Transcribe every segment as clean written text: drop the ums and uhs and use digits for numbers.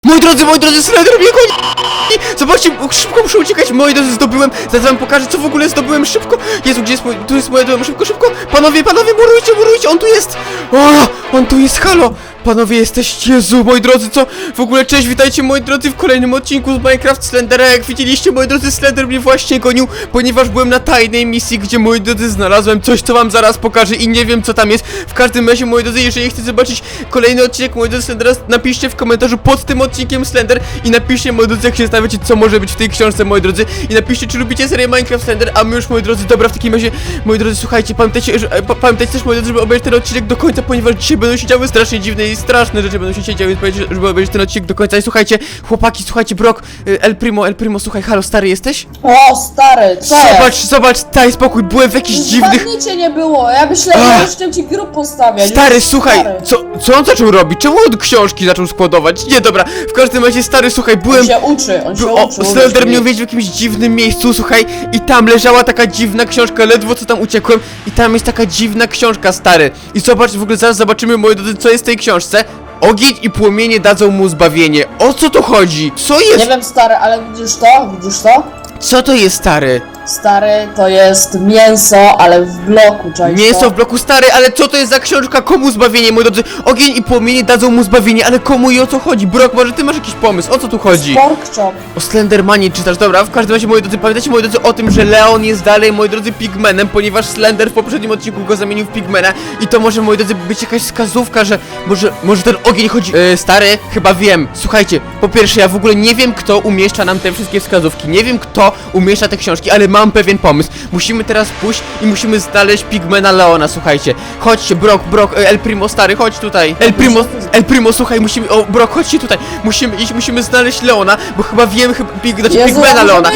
Moi drodzy, Slender mnie goni! Zobaczcie, szybko muszę uciekać, moi drodzy, zdobyłem. Zaraz wam pokażę, co w ogóle zdobyłem, szybko. Jezu, gdzie jest mój, tu jest moje dom, szybko. Panowie, murujcie, on tu jest. O, on tu jest, halo. Panowie, jesteście, Jezu, moi drodzy, co? W ogóle, cześć, witajcie, moi drodzy, w kolejnym odcinku z Minecraft Slendera. Jak widzieliście, moi drodzy, Slender mnie właśnie gonił, ponieważ byłem na tajnej misji, gdzie, moi drodzy, znalazłem coś, co wam zaraz pokażę i nie wiem, co tam jest. W każdym razie, moi drodzy, jeżeli chcecie zobaczyć kolejny odcinek, moi drodzy, Slendera, napiszcie w komentarzu pod tym odcinkiem Slender i napiszcie, moi drodzy, jak się zastanawiacie, co może być w tej książce, moi drodzy, i napiszcie, czy lubicie serię Minecraft Slender, a my już, moi drodzy, dobra, w takim razie, moi drodzy, słuchajcie, pamiętajcie też, moi drodzy, żeby obejrzeć ten odcinek do końca, ponieważ dzisiaj będą się działy strasznie dziwne i straszne rzeczy będą się działy, żeby obejrzeć ten odcinek do końca. I słuchajcie, chłopaki, słuchajcie, Brock, El Primo, słuchaj, halo, stary jesteś? O, stary, co Zobacz, daj spokój, byłem w jakichś dziwnych... cię nie było, ja myślałem, że już chciałem ci grób postawiać. Stary, słuchaj, co on zaczął robić? Czemu on książki zaczął składować? Nie, dobra, w każdym razie, stary, słuchaj, byłem... On się uczy. Slender mnie uwiedził w jakimś dziwnym miejscu, słuchaj, i tam leżała taka dziwna książka, ledwo co tam uciekłem, i tam jest taka dziwna książka, stary. I zobacz, w ogóle zaraz zobaczymy, moi drodzy, co jest w tej książce. Ogień i płomienie dadzą mu zbawienie. O co tu chodzi? Co jest? Nie wiem, stary, ale widzisz to? Co to jest, stary? Stary, to jest mięso, ale w bloku, czaisz Mięso to? w bloku, stary, ale co to jest za książka? Komu zbawienie, moi drodzy? Ogień i płomienie dadzą mu zbawienie, ale komu i o co chodzi? Brock, może ty masz jakiś pomysł? O co tu chodzi? Pork chop. O Slendermanie czytasz, dobra, w każdym razie, moi drodzy, pamiętajcie, moi drodzy, o tym, że Leon jest dalej, moi drodzy, pigmenem, ponieważ Slender w poprzednim odcinku go zamienił w pigmena i to może, moi drodzy, być jakaś wskazówka, że może ten ogień chodzi... Stary, chyba wiem, słuchajcie, po pierwsze, ja w ogóle nie wiem, kto umieszcza nam te wszystkie wskazówki, nie wiem, kto umieszcza te książki, ale mam pewien pomysł. Musimy teraz pójść i musimy znaleźć pigmena Leona, słuchajcie. Chodźcie, Brock, El Primo, stary, chodź tutaj. El Primo, słuchaj, musimy... O, Brock, chodźcie tutaj. Musimy iść, musimy znaleźć Leona, bo chyba wiem, pigmena Leona.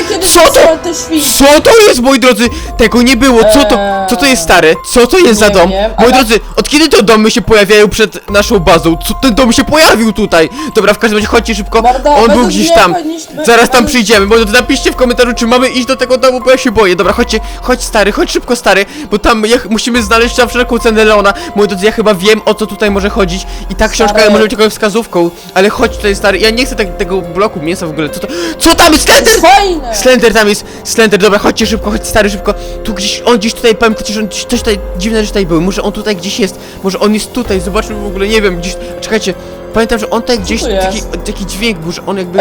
Co to jest, moi drodzy? Tego nie było, co to jest, stary? Co to jest za dom? Moi drodzy, od kiedy te domy się pojawiają przed naszą bazą? Co ten dom się pojawił tutaj? Dobra, w każdym razie chodźcie szybko. On był gdzieś tam. Zaraz tam przyjdziemy, moi drodzy, napiszcie w komentarzu, czy mamy iść do tego domu, bo ja się boję. Dobra, chodź stary, chodź szybko, stary, bo tam musimy znaleźć za wszelką cenę Leona. Moi drodzy, ja chyba wiem, o co tutaj może chodzić i ta książka może być jakąś wskazówką, ale chodź tutaj, stary, ja nie chcę tego bloku mięsa w ogóle. Co tam jest? Slender! Fajne! Slender tam jest, Slender, dobra, chodźcie szybko, chodź stary, szybko. Tu gdzieś, on gdzieś tutaj, pamiętacie, że coś tutaj, dziwne rzeczy tutaj były, może on tutaj gdzieś jest, może on jest tutaj, zobaczmy w ogóle, nie wiem, gdzieś, czekajcie, pamiętam, że on tutaj gdzieś, taki dźwięk był, że on jakby...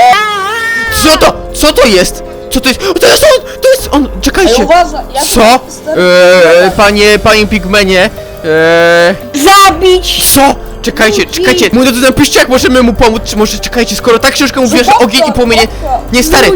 Co to jest? Co to jest? O, to jest on! Czekajcie! Uważaj, Co? Panie Pigmenie, Zabić! Co? Czekajcie, moi drodzy, napiszcie, jak możemy mu pomóc, czy może, czekajcie, skoro ta książka mówiła, że ogień i płomienie... Nie, stary!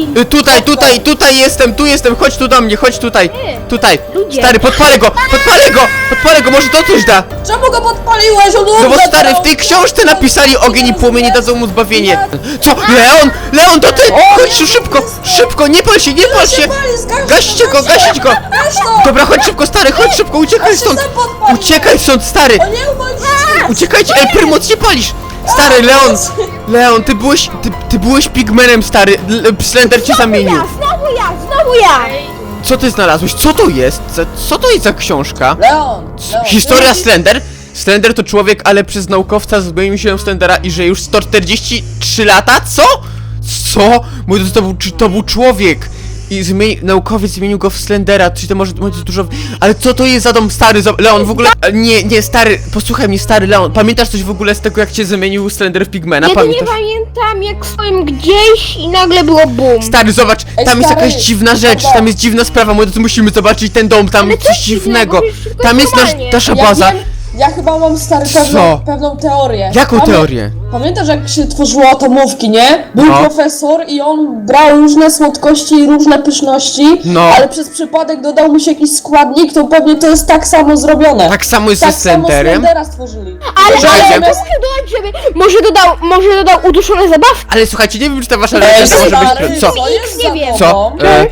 Tutaj jestem, chodź tu do mnie, chodź tutaj, stary, podpalę go, może to coś da! Czemu go podpaliłeś? On No bo stary, w tej książce napisali ogień i płomienie dadzą mu zbawienie. Co? Leon, to ty! Chodź tu szybko, nie pal się! Gaście go! Dobra, chodź szybko, stary, uciekaj stąd, stary! Uciekajcie, El Primo, co się palisz? Stary, Leon, ty byłeś pigmenem, stary, Slender cię zamienił. Znowu ja! Co ty znalazłeś? Co to jest? Co to jest za książka? Leon, Historia Slender? Slender to człowiek, ale przez naukowca zmienił się w Slendera i że już 143 lata? Co? Mój to był człowiek! I naukowiec zmienił go w Slendera, czyli to może dużo... Ale co to jest za dom, stary? Leon, w ogóle... Nie, stary, posłuchaj mnie, stary Leon. Pamiętasz coś w ogóle z tego, jak cię zamienił Slender w Pigmena? Ja to nie pamiętam, jak stołem gdzieś i nagle było boom. Stary, zobacz, tam jest jakaś dziwna rzecz, tam jest dziwna sprawa, moi drodzy, musimy zobaczyć ten dom, tam coś dziwnego. Tam jest nasza baza. Ja chyba mam, stary, pewną teorię. Jaką teorię? Pamiętasz, jak się tworzyło atomówki, nie? Był profesor i on brał różne słodkości i różne pyszności, ale przez przypadek dodał mu się jakiś składnik, to pewnie to jest tak samo zrobione. Tak samo jest ze Slenderem? Slendera stworzyli. Ale może dodać, żeby... Może dodał uduszone zabawki. Ale słuchajcie, nie wiem, czy ta wasza legenda może być... Co? jest nie wiem. Co?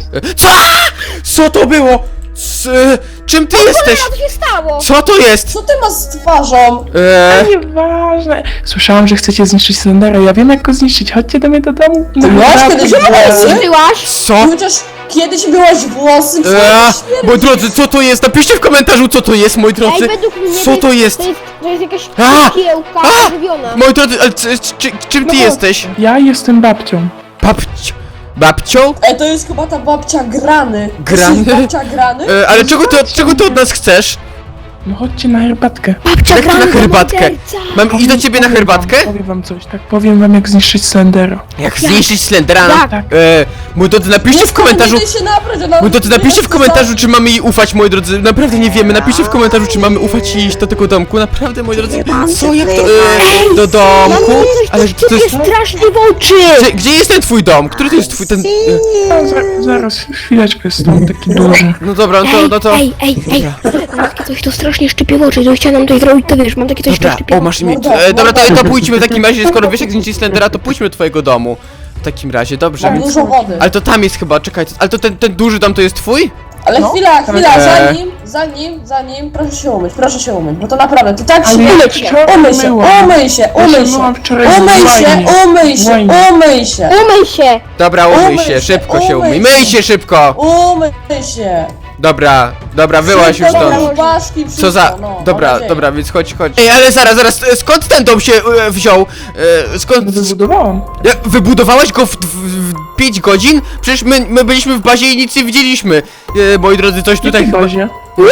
Co to było? Czym ty jesteś? Co się stało? Co to jest? Co ty masz z twarzą? Nieważne. Słyszałam, że chcecie zniszczyć Slendera. Ja wiem, jak go zniszczyć. Chodźcie do mnie do domu. Ty byłaś kiedyś w Ty Włosy? byłaś? Co? Chociaż kiedyś byłaś włosy, Moi drodzy, co to jest? Napiszcie w komentarzu, co to jest, moi drodzy. Ej, według mnie Co to jest? To jest jakaś A! kiełka A! żywiona. Moi drodzy, ale czym ty jesteś? Ja jestem babcią. Babcią? To jest chyba ta babcia Grany. Grany? To jest babcia Grany? Ale czego ty od nas chcesz? No chodźcie na herbatkę. Babcia Jak to na grana herbatkę? morderca. Mam iść do ciebie na herbatkę? Powiem wam coś, tak powiem wam jak zniszczyć Slendera. Jak zniszczyć Slendera? Tak. Moi drodzy, napiszcie w komentarzu. Nie się nabrać, ona... Moi drodzy, napiszcie w komentarzu, czy mamy jej ufać, moi drodzy. Naprawdę nie wiemy. Napiszcie w komentarzu, czy mamy ufać i iść do tego domku. Naprawdę, moi drodzy. Co, jak to? Do domku? Ale Coś to jest... strasznie w oczy. Gdzie jest ten twój dom? Który to jest twój ten... Zaraz, chwileczkę, jest tam taki duży. No dobra, no to... Ej. Mam takie coś, to strasznie szczypie w oczy. To chciałem nam tutaj zrobić, to wiesz, mam takie coś, to Dobra, szczypie o w masz oczy. mi... Dobra, to pójdźmy w takim razie, skoro wiesz jak zniszczyć Slendera, to pójdźmy do twojego domu. W takim razie, dobrze. Mam dużo wody. Ale to tam jest chyba, czekajcie, ale to ten duży dom to jest twój? Ale No. chwila, Eee. zanim, proszę się umyć, bo to naprawdę, ty tak się Ale ja umyj wczoraj umyj się, myłam. umyj się, Ja umyj się się, myłam wczoraj umyj w się, łajnie. umyj się, Łajnie. umyj się, Umyj się. Dobra, umyj Umyj się, się, szybko się umyj. umyj Myj się. się szybko! umyj się. Dobra, wyłaś już Szybko, stąd. baszki, Co za... wszystko, no, mam Dobra, nadzieję. dobra, więc chodź. Ej, ale zaraz, skąd ten dom się wziął? Skąd... Wybudowałam. Wybudowałeś go w 5 godzin? Przecież my byliśmy w bazie i nic nie widzieliśmy. Moi drodzy, coś tutaj Jakiej chyba... bazie?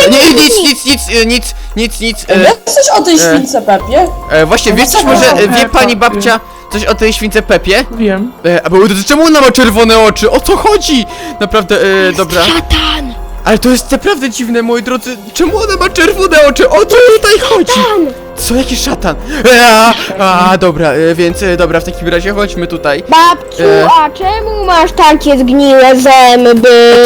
Nic. Wiesz coś o tej śwince Pepie? Właśnie, wiesz coś No, może, no, wie pani Peppa, babcia coś o tej śwince Pepie? Wiem. A moi drodzy, czemu ona ma czerwone oczy? O co chodzi? Naprawdę, dobra. Szatan. Ale to jest naprawdę dziwne, moi drodzy. Czemu ona ma czerwone oczy? O co tutaj chodzi? Co, jaki szatan? Dobra, więc dobra, w takim razie chodźmy tutaj. Babciu, E. a czemu masz takie zgniłe zęby?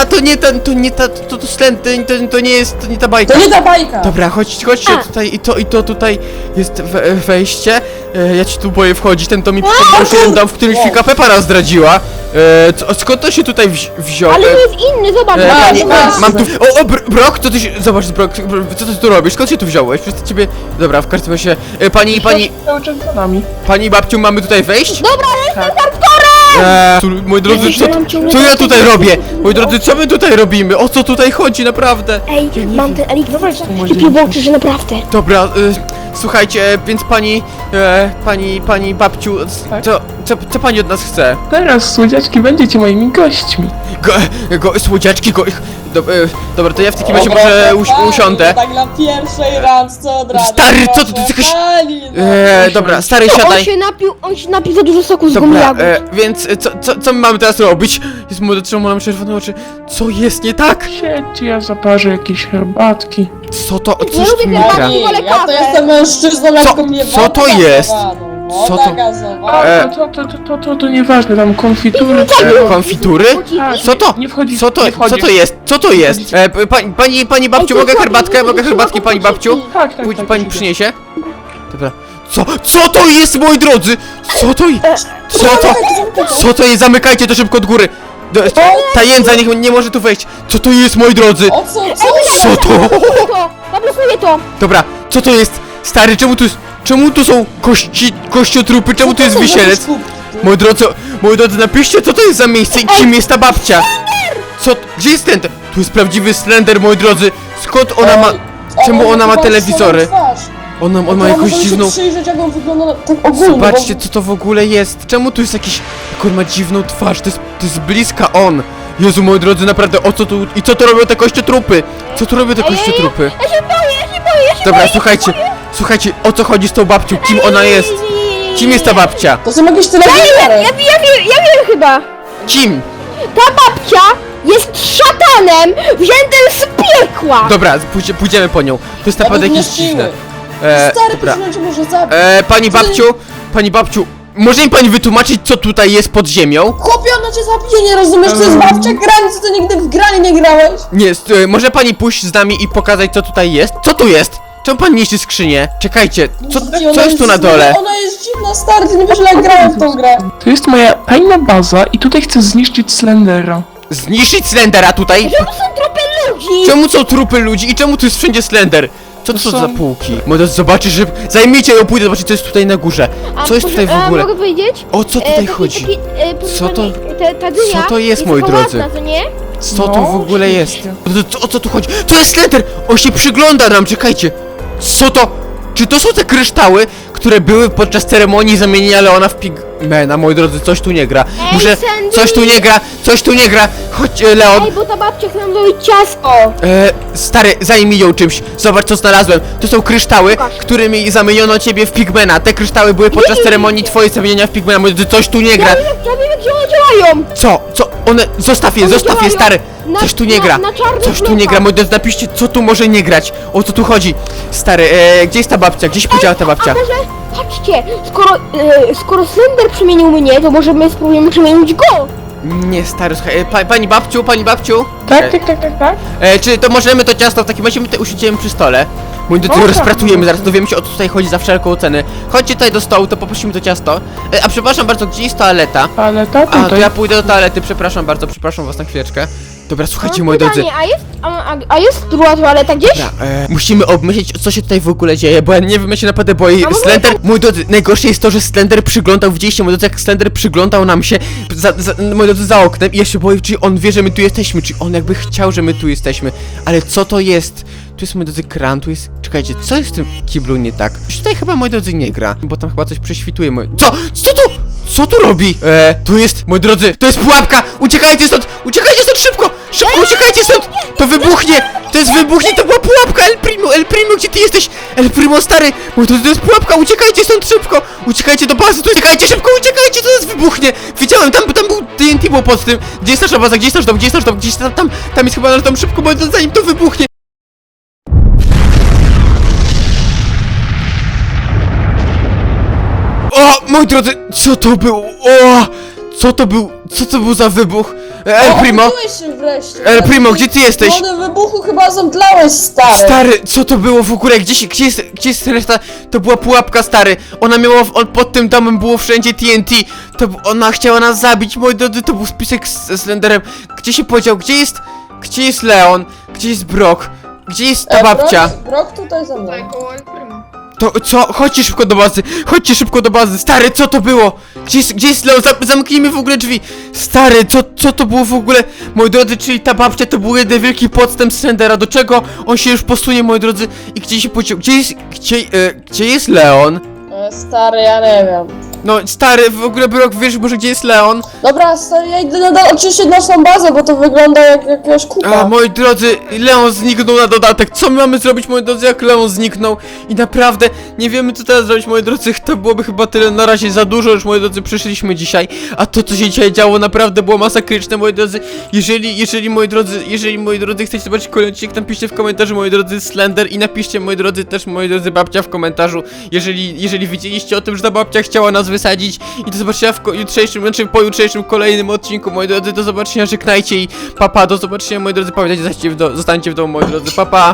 To Slend, to nie jest, to nie ta bajka. To nie ta bajka. Dobra, chodźcie tutaj i to tutaj jest wejście. Ja ci tu boję wchodzić, ten to mi przypomniał już jeden dom, w którym świnka Peppa nas zdradziła. Skąd to się tutaj wziął? Ale to jest inny, zobacz. Mam tu... Brok, co ty się... Zobacz, Brok, co ty tu robisz? Skąd się tu wziąłeś? Przez ciebie... Dobra, w każdym razie... Cały czas za nami. Pani babciu, mamy tutaj wejść? Dobra, jestem hardcorem! Moi drodzy, Myślałam ciągle co ja tak, tutaj że- robię? Moi drodzy, co my tutaj robimy? O co tutaj chodzi, naprawdę? Ej, mam ten eliksir, Dawaj tu, może szczypie w oczy, że naprawdę. Dobra, słuchajcie, więc pani babciu, Tak? co pani od nas chce? Teraz, słodziaczki, będziecie moimi gośćmi. Słodziaczki, dobra, to ja w takim razie może usiądę. Tak na pierwszej randce od razu. Stary, co ty proszę jakaś- pani, no. Dobra, stary, On siadaj. się napił za dużo soku z Dobra, gumijagu. więc co my mamy teraz robić? Jest młody, czemu mam czerwone oczy? Co jest nie tak? Siedźcie, ja zaparzę jakieś herbatki. Co to? Coś lubię tu tej nie babci. gra. Pani, wolę ja to kawę. jestem mężczyzną, jak Co- to mnie co to woda jest? gazowana, Co woda to- gazowana. To nieważne, tam konfitury. Konfitury? Tak, Co to? Nie wchodzi, Co to? nie wchodzi. Co to jest? Co to jest? Pani babciu, Ej, mogę to herbatkę? chodzi, Mogę to herbatki, chodzi, pani to babciu? Tak, Pójdź, tak, pani idę. przyniesie? Dobra. Co to jest, moi drodzy? Co to jest? Co to jest? Zamykajcie to szybko od góry. Ta jędza nie może tu wejść. Co to jest, moi drodzy? O co? Co to? Zablokuję to! Dobra, co to jest? Stary, czemu tu są kościotrupy? Czemu tu jest wisielec? Moi drodzy, napiszcie, co to jest za miejsce i kim jest ta babcia? Gdzie jest ten? Tu jest prawdziwy Slender, moi drodzy. Skąd ona ma... Czemu ona ma telewizory? On ma jakąś dziwną... przyjrzeć, jak on wygląda tak ogólnie. Zobaczcie, co to w ogóle jest. Czemu tu jest jakiś... Jak on ma dziwną twarz. To jest bliska on. Jezu, moi drodzy, naprawdę, o co tu... I co tu robią te kościotrupy? Co tu robią te kościotrupy? Ja się boję, Dobra, słuchajcie, o co chodzi z tą babcią? Kim ona jest? Kim jest ta babcia? To są jakieś telewizory. Ja wiem chyba! Kim? Ta babcia jest szatanem wziętym z piekła! Dobra, pójdziemy po nią. To jest naprawdę Nawet nie jakieś dziwne. siły. Stary, Dobra. to może zabić. Pani babciu, może mi pani wytłumaczyć, co tutaj jest pod ziemią? Chłopie, ona cię zabije, nie rozumiesz? To jest babcia granicy, to nigdy w granie nie grałeś. Nie, może pani pójść z nami i pokazać, co tutaj jest? Co tu jest? Czemu pani niszczy skrzynię? Czekajcie, co jest tu na dole? Ona jest dziwna, stary, ty nie wiesz, jak grałem w tą grę. To jest moja tajna baza i tutaj chcę zniszczyć Slendera. Zniszczyć Slendera tutaj? To są trupy ludzi! Czemu są trupy ludzi i czemu tu jest wszędzie Slender? Co to są są- za półki? Może zobaczysz, że... Zajmijcie ją, pójdę zobaczyć, co jest tutaj na górze. Co jest tutaj w ogóle? Mogę powiedzieć? O co tutaj chodzi? Co to? ta dynia Co to jest, moi taka drodzy? ładna, to nie? Co to No, w ogóle jest? oczywiście. O co tu chodzi? To jest Slender! On się przygląda nam, czekajcie! Co to? Czy to są te kryształy, które były podczas ceremonii zamienienia Leona w Pigmana? Moi drodzy, coś tu nie gra. Ej, Muszę... Sandy! Coś tu nie gra! Coś tu nie gra! Chodź, Leon! Ej, bo ta babcia chce nam zrobić ciasto! Stary, zajmij ją czymś. Zobacz, co znalazłem. To są kryształy, Pokaż. którymi zamieniono ciebie w Pigmana. Te kryształy były podczas ceremonii twojej zamienienia w Pigmana. Moi drodzy, coś tu nie gra. Ja wiem jak one działają! Co? Co? One... Zostaw je, One zostaw je, działają stary! na- Coś tu nie gra. na czarnych Coś tu nie blokach. gra, moi drodzy, napiszcie, co tu może nie grać. O co tu chodzi? Stary, gdzie jest ta babcia? Gdzie się podziała ta babcia? A może, patrzcie, skoro Slender przemienił mnie, to może my spróbujemy przemienić go! Nie, stary, słuchaj, pani babciu, pani babciu? Tak, E, tak. Czy to możemy to ciasto w takim razie my tutaj usiądziemy przy stole? Moi drodzy, Można. rozpracujemy, zaraz dowiemy się, o co tutaj chodzi za wszelką cenę. Chodźcie tutaj do stołu, to poprosimy to ciasto. A przepraszam bardzo, gdzie jest toaleta? Ale ta A, to tutaj. ja pójdę do toalety, przepraszam bardzo, przepraszam was na chwileczkę. Dobra, słuchajcie, Mam moi drodzy. pytanie, a jest druga toaleta gdzieś? Dobra, musimy obmyślić, co się tutaj w ogóle dzieje, bo ja nie wiem, ja się naprawdę boję. A może Slender, mój drodzy, najgorsze jest to, że Slender przyglądał, widzieliście, moi drodzy, jak Slender przyglądał nam się, moi drodzy, za oknem i ja się boję, czy on wie, że my tu jesteśmy, czy on jakby chciał, że my tu jesteśmy, ale co to jest? Tu jest, moi drodzy, kran, tu jest... Czekajcie, co jest w tym kiblu nie tak? Tutaj chyba, moi drodzy, nie gra, bo tam chyba coś prześwituje, Co? Co tu? Co tu robi? Tu jest, moi drodzy, to jest pułapka! Uciekajcie stąd! Uciekajcie stąd szybko! Szybko, uciekajcie stąd! To wybuchnie! To jest wybuchnie, to była pułapka! El Primo, gdzie ty jesteś? El Primo, stary! Moi drodzy, to jest pułapka! Uciekajcie stąd szybko! Uciekajcie do bazy! Tu uciekajcie szybko! Uciekajcie! To jest wybuchnie! Widziałem, tam był TNT było pod tym! Gdzie jest nasza baza? Gdzie jest nasz dom? Gdzie jest nasz dom? Gdzieś tam jest chyba nasz dom! Szybko, moi drodzy, zanim to wybuchnie! O, moi drodzy, co to było? O, co to był za wybuch? El Primo, Obudziłeś się wreszcie. El Primo, gdzie ty jesteś? Wody wybuchu chyba zemdlałeś, stary. Stary, co to było w ogóle? Gdzie jest reszta? To była pułapka, stary. Ona miała, pod tym domem było wszędzie TNT. Ona chciała nas zabić, moi drodzy, to był spisek ze Slenderem. Gdzie się podział? Gdzie jest Leon? Gdzie jest Brock? Gdzie jest ta babcia? Brok tutaj ze mną. To co? Chodźcie szybko do bazy! Chodźcie szybko do bazy! Stary, co to było? Gdzie jest Leon? Zamknijmy w ogóle drzwi! Stary, co to było w ogóle? Moi drodzy, czyli ta babcia to był jeden wielki podstęp Slendera. Do czego on się już posunie, moi drodzy? I gdzie się podział? Gdzie jest Leon? Stary, ja nie wiem. No, stary, w ogóle Brock, wiesz może gdzie jest Leon? Dobra, stary, ja idę oczywiście na naszą bazę, bo to wygląda jak jakaś kupa. A, moi drodzy, Leon zniknął na dodatek. Co my mamy zrobić, moi drodzy, jak Leon zniknął? I naprawdę nie wiemy, co teraz zrobić, moi drodzy. To byłoby chyba tyle na razie za dużo już, moi drodzy, przyszliśmy dzisiaj. A to, co się dzisiaj działo, naprawdę było masakryczne, moi drodzy. Jeżeli, moi drodzy, chcecie zobaczyć kolejny odcinek, napiszcie w komentarzu, moi drodzy, Slender. I napiszcie, moi drodzy, też, moi drodzy, babcia w komentarzu. Jeżeli wiedzieliście o tym, że ta babcia chciała nas wysadzić. I do zobaczenia w po jutrzejszym kolejnym odcinku, moi drodzy. Do zobaczenia, żegnajcie i papa, do zobaczenia, moi drodzy. Pamiętajcie, zostańcie w domu, moi drodzy, papa.